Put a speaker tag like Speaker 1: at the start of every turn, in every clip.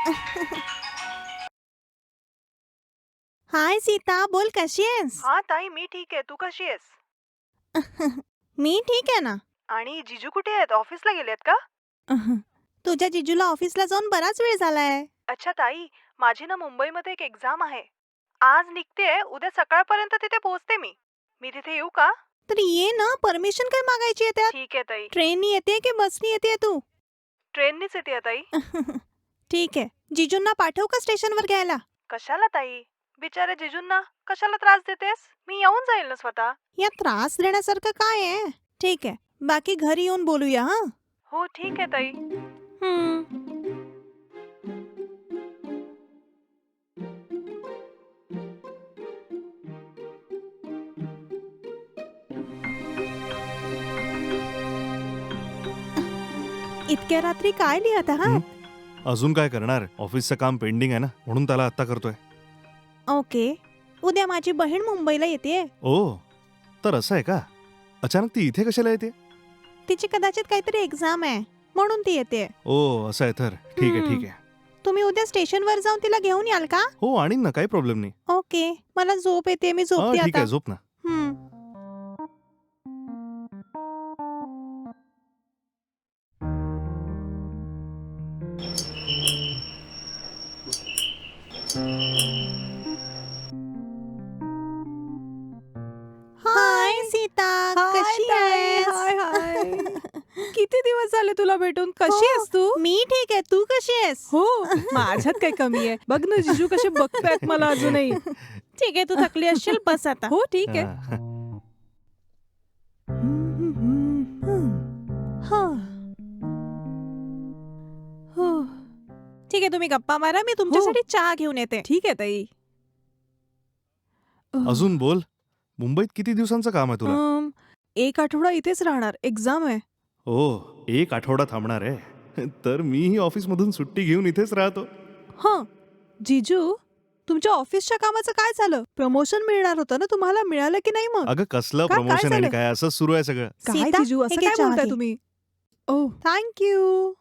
Speaker 1: हाय सीता, बोल कशी आहेस?
Speaker 2: हा ताई, मी ठीक आहे. तू कशी आहेस?
Speaker 1: मी ठीक आहे ना.
Speaker 2: आणि जीजू कुठे आहेत? ऑफिसला गेलेत का?
Speaker 1: तुझ्या जिजूला ऑफिसला जाऊन बराच वेळ झालाय.
Speaker 2: अच्छा ताई, माझी ना मुंबईमध्ये एक एक्झाम आहे. आज निघतेय, उद्या सकाळपर्यंत तिथे पोहोचते मी. मी तिथे येऊ का?
Speaker 1: तर ये ना, परमिशन काय मागायची आहे त्यात?
Speaker 2: ठीक आहे ताई.
Speaker 1: ट्रेननी येते की बसनी येते तू?
Speaker 2: ट्रेननीच येते ताई.
Speaker 1: ठीक आहे. जिजूंना पाठवू का स्टेशनवर घ्यायला?
Speaker 2: कशाला ताई? बिचारे जीजूंना कशाला त्रास देतेस? मी येऊन जाईल ना स्वतः.
Speaker 1: या त्रास देण्यासारखं काय आहे? ठीक आहे. बाकी घरी येऊन बोलूया हा.
Speaker 2: हो ठीक आहे ताई.
Speaker 1: इतक्या रात्री काय लिहत आहात?
Speaker 3: अजून काय करणार? ऑफिसचं काम पेंडिंग आहे ना, म्हणून त्याला आत्ता करतोय.
Speaker 1: ओके. उद्या माझी बहीण मुंबईला येते.
Speaker 3: ओ, तर असं आहे का? अचानक ती इथे कशाला येते?
Speaker 1: तिची कदाचित काहीतरी एक्झाम आहे म्हणून ती येते.
Speaker 3: ओ, असं आहे तर ठीक आहे ठीक आहे.
Speaker 1: तुम्ही उद्या स्टेशनवर जाऊन तिला घेऊन याल का?
Speaker 3: हो, आणीन ना, काही प्रॉब्लेम नाही.
Speaker 1: ओके. मला झोप येते, मी
Speaker 3: हा,
Speaker 1: झोपते
Speaker 3: ठीक
Speaker 1: आता.
Speaker 3: आहे, झोप ना.
Speaker 1: हम्म. हाय सीता, कशी आहेस?
Speaker 2: हाय हाय. किती दिवस झाले तुला भेटून? कशी आहेस तू?
Speaker 1: मी ठीक आहे, तू कशी आहेस?
Speaker 2: हो, माझ्यात काय कमी आहे? बघ ना जीजू कसे बघतायत मला अजूनही.
Speaker 1: ठीक आहे, तू थकली असशील, बस आता.
Speaker 2: हो ठीक आहे.
Speaker 3: हा.
Speaker 1: ठीक आहे, तुम्ही गप्पा मारा, मी तुमच्यासाठी चहा घेऊन येते.
Speaker 2: ठीक आहे ताई.
Speaker 3: अजून बोल. मुंबईत किती दिवसांचं काम आहे तुला?
Speaker 2: एक आठवडा इथेच राहणार. एक्झाम आहे.
Speaker 3: ओ, 1 आठवडा थांबणार आहे. तर मीही ऑफिसमधून सुट्टी घेऊन इथेच राहतो.
Speaker 2: हं, जीजू तुमच्या ऑफिसच्या कामाचं काय झालं? प्रमोशन मिळणार होतं ना तुम्हाला, मिळालं की नाही मग?
Speaker 3: अगं कसलं
Speaker 2: काय
Speaker 3: प्रमोशन आणि
Speaker 2: झालं?
Speaker 3: काय, असंच सुरू आहे सगळं.
Speaker 2: काय
Speaker 1: सीता,
Speaker 2: जीजू असं
Speaker 1: हे घे
Speaker 2: काय
Speaker 1: चहा
Speaker 2: बोलताय
Speaker 1: घे.
Speaker 2: तुम्ही? Oh thank you.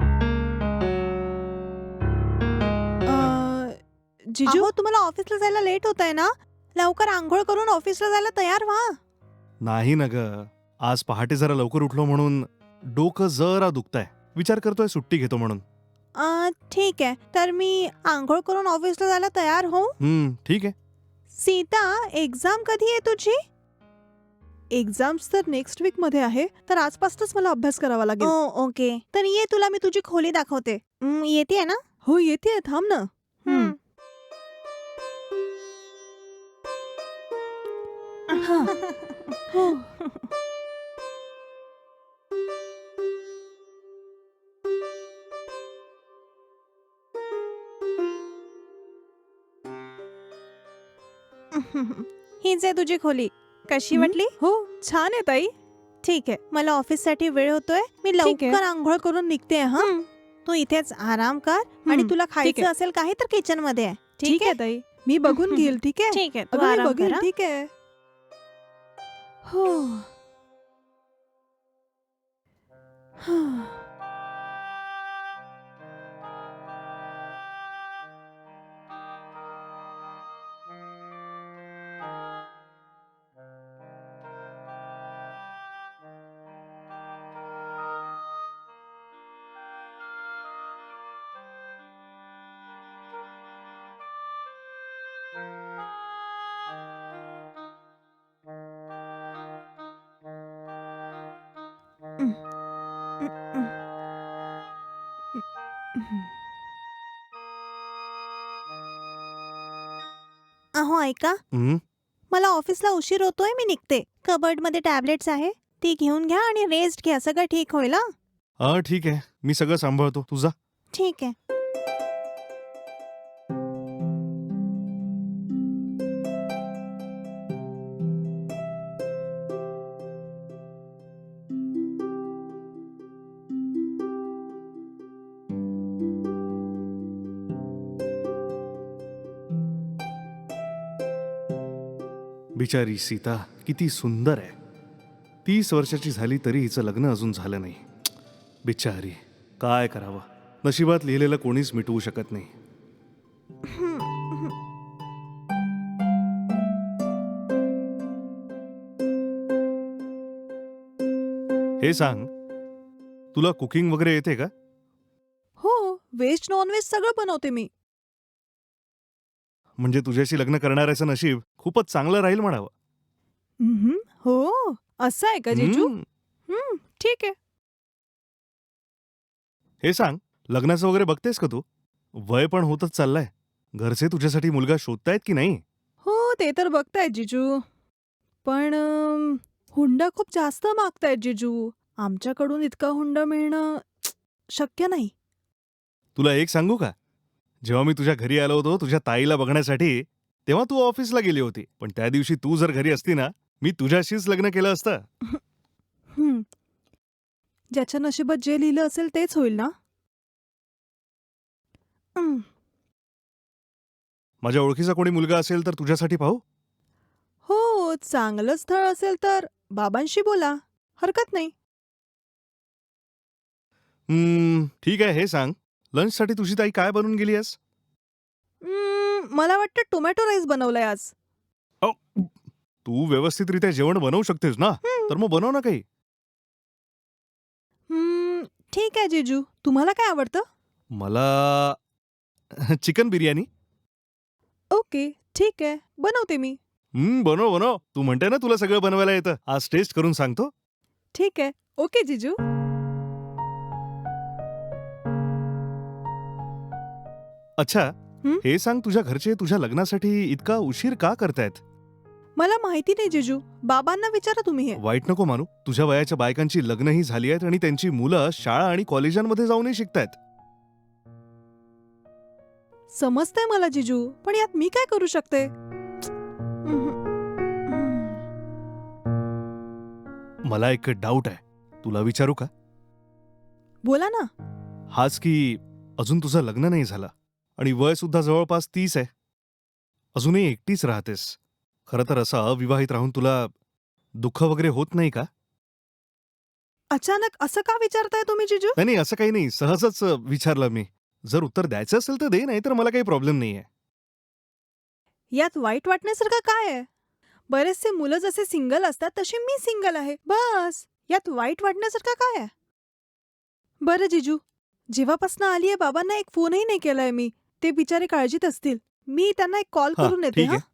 Speaker 2: जीजू
Speaker 1: अहो, तुम्हाला ऑफिसला जायला लेट होत आहे ना, लवकर आंघोळ करून ऑफिसला जायला तयार व्हा.
Speaker 3: नाही ना ग, आज पहाटे जरा लवकर उठलो म्हणून डोकं जरा दुखतंय. विचार करतोय सुट्टी घेतो म्हणून.
Speaker 1: ठीक आहे, तर मी आंघोळ करून ऑफिसला जायला तयार हो.
Speaker 3: ठीक आहे.
Speaker 1: सीता, एक्झाम कधी आहे तुझी?
Speaker 2: एक्झाम्स तर नेक्स्ट वीक मध्ये आहे, तर आजपासूनच मला अभ्यास करावा लागेल.
Speaker 1: ओके. तर ये, तुला मी तुझी खोली दाखवते. येते ना?
Speaker 2: हो येते, थांब ना.
Speaker 1: हम्म.
Speaker 2: हो.
Speaker 1: हीच आहे तुझी खोली. कशी
Speaker 2: हं?
Speaker 1: वाटली?
Speaker 2: हो छान आहे ताई.
Speaker 1: ठीक आहे, मला ऑफिससाठी वेळ होतोय, मी
Speaker 2: ठीक आहे.
Speaker 1: लवकर आंघोळ करून निघते हा. तू इथेच आराम कर आणि तुला खायचं
Speaker 2: आहे.
Speaker 1: असेल काही तर किचन मध्ये आहे.
Speaker 2: ठीक आहे ताई, मी बघून घेईल. ठीक आहे.
Speaker 1: ठीक आहे, तू
Speaker 2: अगं मी
Speaker 1: आराम
Speaker 2: बघेल.
Speaker 1: कर हा.
Speaker 2: ठीक आहे. हो.
Speaker 1: अहो ऐका,
Speaker 3: हं?
Speaker 1: मला ऑफिसला उशीर होतोय, मी निघते. कबर्ड मध्ये टॅबलेट्स आहे, ती घेऊन घ्या आणि रेस्ट घ्या, सगळं ठीक होईल हा.
Speaker 3: ठीक आहे, मी सगळं सांभाळतो. तुझा
Speaker 1: ठीक आहे.
Speaker 3: बिचारी सीता किती सुंदर आहे. 30 वर्षाची झाली तरी हिचं लग्न अजून झालं नाही. बिचारी, काय करावं. नशिबात लिहिलेलं कोणीच मिटवू शकत नाही. हे सांग, तुला कुकिंग वगैरे येते का?
Speaker 1: हो, व्हेज नॉनव्हेज सगळं बनवते मी.
Speaker 3: म्हणजे तुझ्याशी लग्न करणाऱ्याचं नशीब खूपच चांगलं राहील म्हणावं.
Speaker 1: हो, असं आहे का जिजू?
Speaker 3: हम्म.
Speaker 1: ठीक आहे.
Speaker 3: हे सांग, लग्नाचं वगैरे बघतेस का तू? वय पण होतच चाललंय. घरचे तुझ्यासाठी मुलगा शोधतायत की नाही?
Speaker 1: हो, ते तर बघतायत जिजू. पण हुंडा खूप जास्त मागतायत जिजू. आमच्याकडून इतका हुंडा मिळणं शक्य नाही.
Speaker 3: तुला एक सांगू का? जेव्हा मी तुझ्या घरी आलो होतो तुझ्या ताईला बघण्यासाठी, तेव्हा तू ऑफिसला गेली होती. पण त्या दिवशी तू जर घरी असती ना, मी तुझ्याशीच लग्न केलं असतं.
Speaker 1: हं. ज्याच्या नशिबात जे लिहिलं असेल तेच होईल ना? हं.
Speaker 3: माझ्या ओळखीचा कोणी मुलगा असेल तर तुझ्यासाठी पाहू?
Speaker 1: हो, चांगलं स्थळ असेल तर बाबांशी बोला. हरकत नाही.
Speaker 3: ठीक आहे. हे सांग, लंचसाठी तुझी ताई काय बनवून गेली आहेस?
Speaker 1: मला वाटतं टोमॅटो राईस बनवलाय आज.
Speaker 3: अहो, तू व्यवस्थितरित्या जेवण बनवू शकतेस ना,
Speaker 1: हं.
Speaker 3: तर मग बनव ना काही.
Speaker 1: ठीक आहे जिजू. तुम्हाला काय आवडतं?
Speaker 3: मला चिकन बिर्याणी.
Speaker 1: ओके, ठीक आहे. बनवते मी.
Speaker 3: बनव बनव. तू म्हणते ना तुला सगळं बनवायला येतं. आज टेस्ट करून सांगतो.
Speaker 1: ठीक आहे. ओके जिजू.
Speaker 3: अच्छा,
Speaker 1: हं?
Speaker 3: हे सांग, तुझ्या घरचे तुझ्या लग्नासाठी इतका उशीर का करतायत?
Speaker 1: मला माहिती नाही जिजू. बाबांना विचारा तुम्ही हे.
Speaker 3: वाईट नको मानू. तुझ्या वयाच्या बायकांची लग्नही झाली आहेत आणि त्यांची मुलं शाळा आणि कॉलेजांमध्ये जाऊनही शिकतायत.
Speaker 1: समजतंय मला जिजू, पण यात मी काय करू शकते?
Speaker 3: मला एक डाऊट आहे, तुला विचारू का?
Speaker 1: बोला ना.
Speaker 3: हाच की अजून तुझं लग्न नाही झालं आणि वय सुद्धा जवळपास 30 आहे. अजूनही एकटीच राहतेस. खरं तर असं अविवाहित राहून तुला दुःख वगैरे होत नाही का?
Speaker 1: अचानक असं का विचारताय तुम्ही जिजू?
Speaker 3: नाही, असं काही नाही. सहजच विचारलं मी. जर उत्तर द्यायचं असेल तर दे, नाही तर मला काही प्रॉब्लेम नाहीये.
Speaker 1: यात वाईट वाटण्यासारखं काय आहे? बरेचसे मुलं जसे सिंगल असतात तसे मी सिंगल आहे. बस. यात वाईट वाटण्यासारखं काय आहे? बरं जिजू, जेव्हापासनं आली आहे बाबांना एक फोनही नाही केलाय मी. ते बिचारे काळजीत असतील. मी त्यांना एक कॉल
Speaker 3: हां,
Speaker 1: करून येते.
Speaker 3: ठीक
Speaker 1: हा.
Speaker 3: आहे.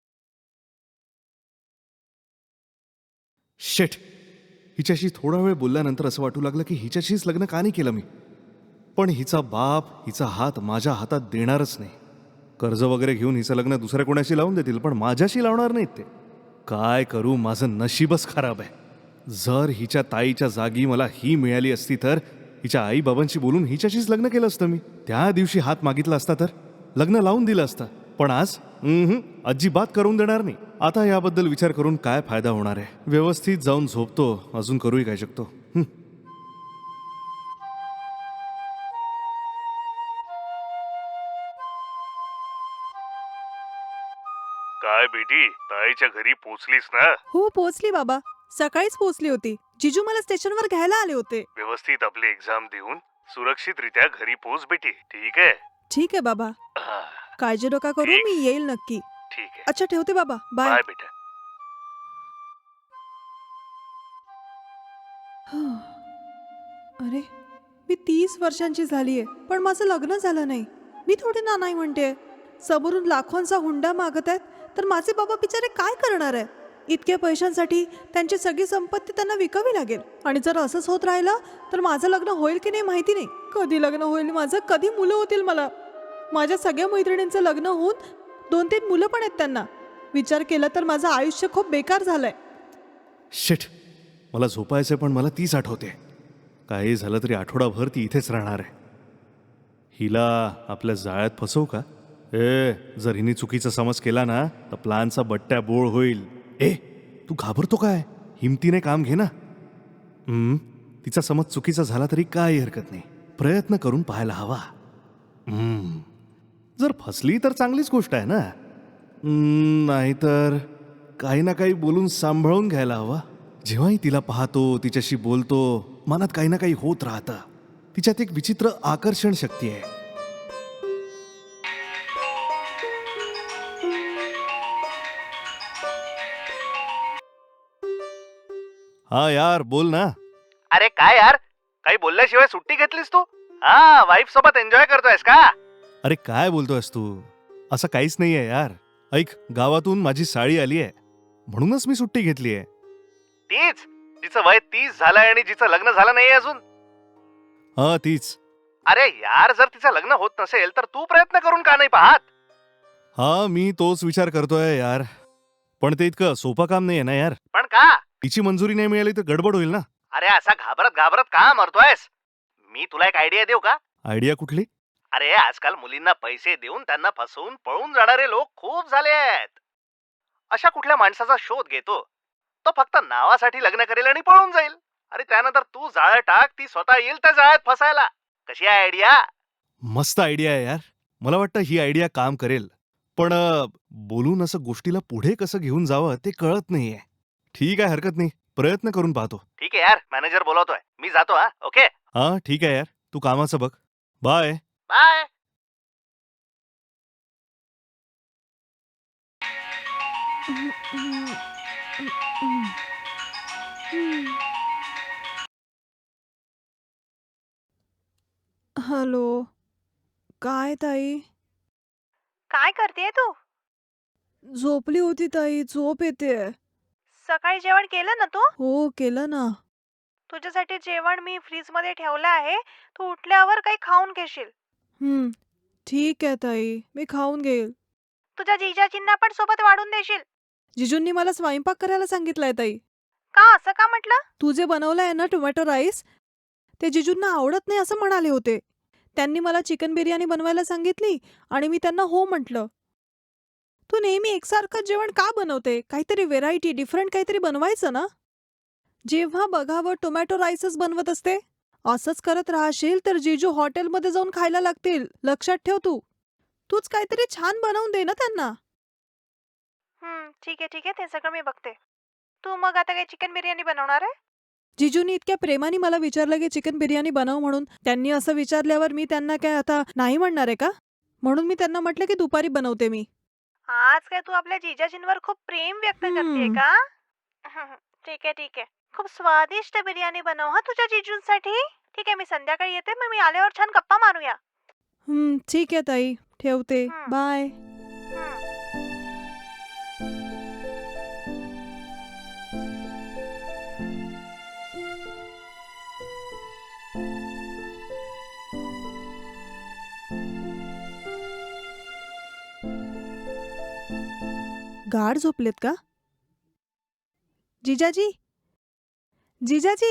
Speaker 3: शिट. हिच्याशी थोडा वेळ बोलल्यानंतर असं वाटू लागलं की हिच्याशीच लग्न का नाही केलं मी. पण हिचा बाप हिचा हात माझ्या हातात देणारच नाही. कर्ज वगैरे घेऊन हिचं लग्न दुसऱ्या कोणाशी लावून देतील, पण माझ्याशी लावणार नाहीत ते. काय करू, माझं नशीबच खराब आहे. जर हिच्या ताईच्या जागी मला ही मिळाली असती तर हिच्या आई बाबांशी बोलून हिच्याशीच लग्न केलं असतं मी. त्या दिवशी हात मागितला असता तर लग्न लावून दिलं असतं. पण आज अजिबात करून देणार नाही. आता याबद्दल विचार करून काय फायदा होणार आहे. व्यवस्थित जाऊन झोपतो. अजून करूही काय शकतो. काय बेटी, ताईच्या घरी पोचलीस ना?
Speaker 1: हो, पोहोचली बाबा. सकाळीच पोहोचली होती. जिजू मला स्टेशनवर घ्यायला आले होते.
Speaker 3: व्यवस्थित आपली एक्झाम देऊन सुरक्षितरित्या घरी पोच बेटी. ठीक आहे?
Speaker 1: ठीक आहे बाबा. काळजी नका करू,
Speaker 3: ठीक.
Speaker 1: मी येईल नक्की.
Speaker 3: ठीक आहे.
Speaker 1: अच्छा, ठेवते बाबा. बाय.
Speaker 3: बाय बेटा.
Speaker 1: अरे, मी 30 वर्षांची झालीये, पण माझं लग्न झालं नाही. मी थोडी ना नाही म्हणते. समोरून लाखोंचा हुंडा मागत आहेत, तर माझे बाबा बिचारे काय करणार आहे? इतक्या पैशांसाठी त्यांची सगळी संपत्ती त्यांना विकावी लागेल. आणि जर असंच होत राहिलं तर माझं लग्न होईल की नाही माहिती नाही. कधी लग्न होईल माझं, कधी मुलं होतील मला. माझ्या सगळ्या मैत्रिणींचं लग्न होऊन 2-3 मुलं पण आहेत त्यांना. विचार केला तर माझं आयुष्य खूप बेकार झालंय.
Speaker 3: शिट. मला झोपायचं पण मला तीच आठवते. काही झालं तरी आठवडाभर ती इथेच राहणार आहे. हिला आपल्या जाळ्यात फसवू का? जर हिने चुकीचा समज केला ना तर प्लानचा बट्ट्या बोळ होईल. तू घाबरतो काय? हिमतीने काम घे ना. तिचा समज चुकीचा झाला तरी काही हरकत नाही. प्रयत्न करून पाहायला हवा. जर फसली तर चांगलीच गोष्ट आहे ना. नाहीतर काही ना काही बोलून सांभाळून घ्यायला हवा. जेव्हाही तिला पाहतो, तिच्याशी बोलतो, मनात काही ना काही होत राहतं. तिच्यात एक विचित्र आकर्षण शक्ती आहे. हा यार, बोल ना.
Speaker 4: अरे काय यार, काही बोलल्याशिवाय सुट्टी घेतलीस तू? हा, वाईफ सोबत एन्जॉय करतोयस का?
Speaker 3: अरे काय बोलतोयस तू? असं काहीच नाहीये यार. ऐक, गावातून माझी साळी आली आहे, म्हणूनच मी सुट्टी घेतली आहे.
Speaker 4: तीच जिचं वय 30 झालंय आणि जिचं लग्न झालं नाही अजून.
Speaker 3: हा, तीच.
Speaker 4: अरे यार, जर तिचं लग्न होत नसेल तर तू प्रयत्न करून का नाही पाहत?
Speaker 3: हा, मी तोच विचार करतोय यार, पण ते इतकं सोपं काम नाहीये ना यार.
Speaker 4: पण का?
Speaker 3: तिची मंजुरी नाही मिळाली तर गडबड होईल ना.
Speaker 4: अरे असा घाबरत घाबरत का मरतोयस? मी तुला एक आयडिया देऊ का?
Speaker 3: आयडिया कुठली?
Speaker 4: अरे आजकाल मुलींना पैसे देऊन त्यांना फसवून पळून जाणारे लोक खूप झाले आहेत. अशा कुठल्या माणसाचा शोध घेतो, तो फक्त नावासाठी लग्न करेल आणि पळून जाईल. अरे त्यानंतर तू जाळं टाक, ती स्वतः येईल त्या जाळ्यात फसायला. कशी आहे आयडिया?
Speaker 3: मस्त आयडिया आहे यार. मला वाटतं ही आयडिया काम करेल, पण बोलून असं गोष्टीला पुढे कसं घेऊन जावं ते कळत नाहीये. ठीक आहे, हरकत नाही, प्रयत्न करून पाहतो.
Speaker 4: ठीक आहे यार, मॅनेजर बोलवतोय, मी जातो. हा, ओके,
Speaker 3: हा ठीक आहे यार, तू कामाचं बघ. बाय.
Speaker 4: बाय.
Speaker 1: हॅलो. काय ताई?
Speaker 2: काय करतेय तू?
Speaker 1: झोपली होती ताई, झोप येते.
Speaker 2: सकाळी जेवण केलं ना तू?
Speaker 1: हो, केलं ना.
Speaker 2: तुझ्यासाठी जेवण मी फ्रीजमध्ये ठेवलं आहे. तू उठल्यावर काही खाऊन घेशील.
Speaker 1: ठीक आहे ताई, मी खाऊन घेईल.
Speaker 2: तुझ्या जिजाजींना पण सोबत वाढून देशील.
Speaker 1: जिजूंनी मला स्वयंपाक करायला सांगितलंय ताई.
Speaker 2: का, असं का म्हटलं?
Speaker 1: तू जे बनवलंय ना टोमॅटो राईस, ते जिजूंना आवडत नाही असं म्हणाले होते. त्यांनी मला चिकन बिर्याणी बनवायला सांगितली आणि मी त्यांना हो म्हटलं. तू नेहमी एकसारखं जेवण का बनवते? काहीतरी व्हेरायटी, डिफरंट काहीतरी बनवायचं ना. जेव्हा बघावं टोमॅटो राईसच बनवत असते. असंच करत राहशील तर जिजू हॉटेलमध्ये जाऊन खायला लागतील. लक्षात ठेव तू. तूच काहीतरी छान बनवून दे ना त्यांना.
Speaker 2: ठीक आहे ठीक आहे, ते सगळं मी बघते. तू मग आता काही चिकन बिर्याणी बनवणार आहे?
Speaker 1: जिजूनी इतक्या प्रेमाने मला विचारलं की चिकन बिर्याणी बनव म्हणून. त्यांनी असं विचारल्यावर मी त्यांना काय आता नाही म्हणणार आहे का? म्हणून मी त्यांना म्हटलं की दुपारी बनवते मी.
Speaker 2: आज काय तू आपल्या जिजाजींवर खूप प्रेम व्यक्त करतेय का? ठीक आहे ठीक आहे, खूप स्वादिष्ट बिर्याणी बनव हा तुझ्या जिजूंसाठी. ठीक आहे, मी संध्याकाळी येते, मग मी आल्यावर छान गप्पा मारूया.
Speaker 1: ठीक आहे ताई, ठेवते. बाय.
Speaker 2: हम्म.
Speaker 1: गाढ झोपलेत का? जिजाजी, जिजाजी,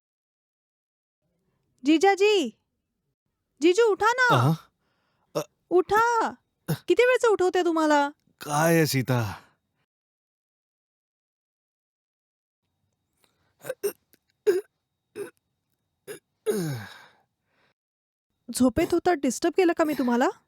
Speaker 1: जिजाजी, जिजू उठा ना. उठा. किती वेळचं उठवते तुम्हाला?
Speaker 3: काय आहे सीता?
Speaker 1: झोपेत होता, डिस्टर्ब केलं का मी तुम्हाला?